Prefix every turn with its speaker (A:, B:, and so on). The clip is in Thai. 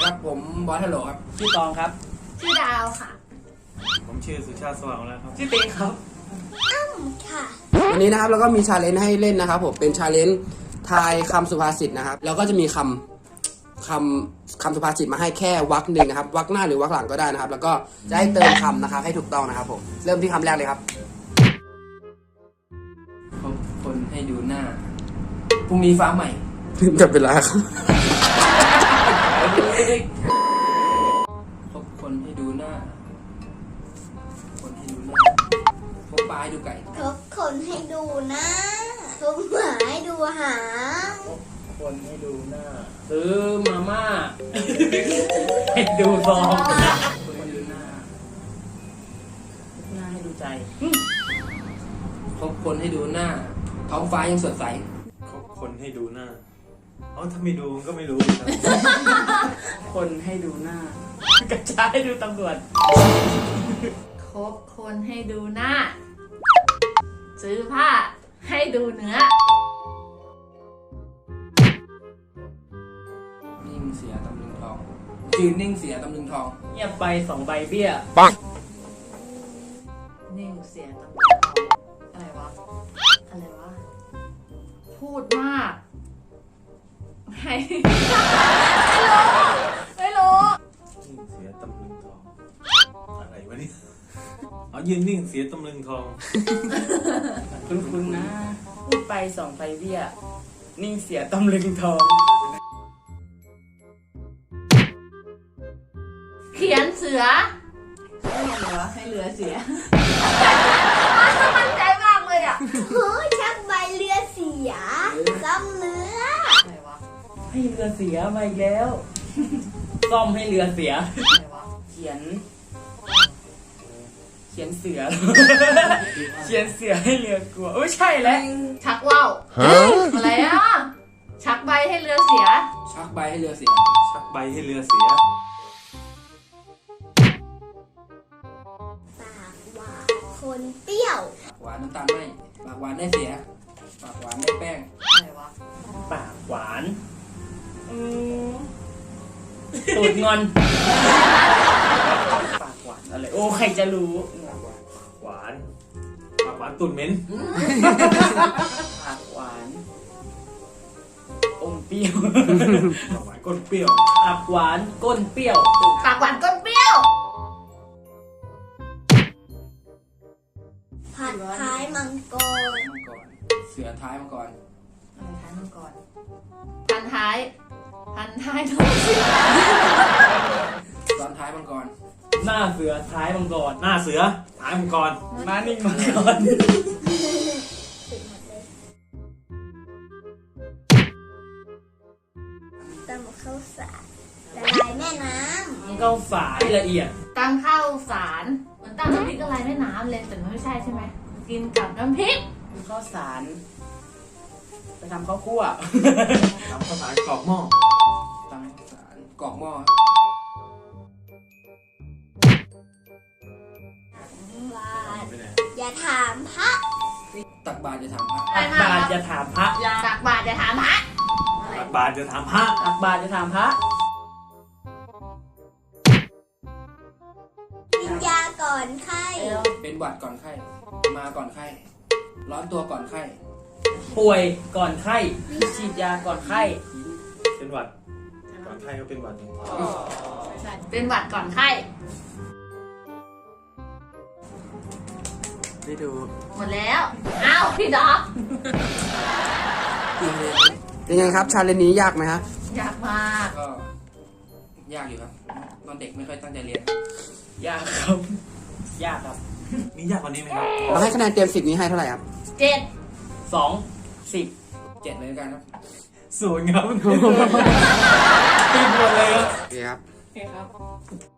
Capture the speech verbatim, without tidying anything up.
A: ครับผมบอสฮัลโหลครับชื่อตองครับ
B: ชื่อดาวค่ะ
C: ผมชื่อสุชาติสว่างแล้วครับ
A: ชื่อเต้ครับ
B: อ้ำค่ะ
A: วันนี้นะครับเราก็มีชาเลนจ์ให้เล่นนะครับผมเป็นชาเลนจ์ทายคำสุภาษิตนะครับแล้วก็จะมีคำคำคำสุภาษิตมาให้แค่วรรคหนึ่งนะครับวรรคหน้าหรือวรรคหลังก็ได้นะครับแล้วก็จะให้เติมคำนะครับให้ถูกต้องนะครับผมเริ่มที่คำแรกเลยครับคบคนให้ดูหน้าพรุ่งนี้ฟ้าใหม่จะเป็นไรครับคบคนให้ดูหน้าคนให้ดูหน้าคบปลาให้ดูไก่
B: คบคนให้ดูหน้าคบหมาให้ดูหาง
A: คบคนให้ดูหน้าซื้อมาม่าให้ดูซองคนให้ดูหน้าหน้าให้ดูใจคบคนให้ดูหน้าท้องฟ้ายังสดใส
C: คบคนให้ดูหน้าอ๋อถ้าไม่ดูก็ไม่รู้ครับ
A: คนให้ดูหน้ากระจายให้ดูตำรวจ
B: คบคนให้ดูหน้าซื้อผ้าให้ดูเนื้อ
A: นิ่งเสียตำลึงทองจืนนิ่งเสียตำลึงทองเงียบใบสองใบเบี้ย
C: ปัง
B: นิ่งเสียตำลึงทองอะไรวะอะไรวะพูดมากไม่ไม่รู้
C: นิ่งเสียตำลึงทองอะไรวะนี่เอายืนนิ่งเสียตำลึงทอง
A: คุณคุณนะพูดไปสองไปเบี้ยนิ่งเสียตำลึงทอง
B: เขียนเสือให้เรือให้เรือเสียมั่นใจมากเลยอ่ะโอ้ยชักใบเรือเสียซ่อมเรืออะไรวะ
A: ให้เรือเสียมาอีกแล้วซ่อมให้เรือเสียอะไรวะเขียนเขียนเสือเขียนเสือให้เรือกลัวโอ้ยใช่แล้ว
B: ชักว่าวอะไรอ่ะชักใบให้เรือเสีย
A: ชักใบให้เรือเสีย
C: ชักใบให้เรือเสีย
B: คนเปรี้ยว
A: ปากหวานน้ำตาลไม่ปากหวานได้เสียปากหวานได้แป้ง
B: อะไรวะ
A: ปากหวานตูดงอนปากหวานอะไรโอ้ใครจะรู้
C: หวานปากหวานตูดเหม็น
A: ปากหวานอมเปรี้ยว
C: ปากหวานก้นเปรี้ยว
A: ปากหวานก้นเปรี้ยว
B: ปากหวานก้นเปรี้ยวผัดท้ายมังกร
A: มังกรเสือท้ายมังกร
B: อะไรท้ายมังกรพันท้ายพันท้ายท้องเสือ
A: ตอนท้ายมังกร
C: หน้าเสือท้ายมังกรหน้าเสือท้ายมังกร
A: มานิ่งมังกร
B: ตำข้าวสารละลายแม่น้
A: ำข้าวสารละเอียด
B: ตำข้าวสารเหมือนตำน้ำพริกละลายแม่น้ำเลยแต่ไม่ใช่ใช่ไหมกินกับน้ำพริก
A: ข้าวสารไปทำข้าวคั่ว
C: ทำข้าวสารกรอกหม้อ
A: ทำข้าวสารกรอกหม้อ
B: อย่าถามพระ
A: ตักบาตรอย่าถามพระ
C: ตักบาตรอย่าถามพระ
B: ตักบาตรอย่าถามพระ
C: ตักบาตรอย่าถามพระ
A: ตักบาตรอย่าถามพระ
B: กินยาก่อนไข้
A: เป็นหวัดก่อนไข้มาก่อนไข้ร้อนตัวก่อนไข้ป่วยก่อนไข้ฉีดยาก่อนไข้
C: เป็นหวัดก่อนไข้ก็เป็นหวัด
B: ใช่เป็นหวัดก่อนไข้
A: ได้ดู
B: หมดแล้วอ้าวพี่ดอก
A: เป็นไงครับชาเลนจ์นี้ยากไหมครับ
B: ยากมาก
A: ก็ยากอยู่ครับตอนเด็กไม่ค่อยตั้งใจเรียนยากครับยากครับ
C: มียากกว่านี้ไหมครับ
A: เราให้คะแนนเต็มสิบนี้ให้เท่าไหร่ครับ
B: เจ็ด
A: สองสิบเจ็ดเลยกันครับ
C: ศูนย์ครับติดหมดเลยครับ
A: โอเคครับ
B: โอเคครับ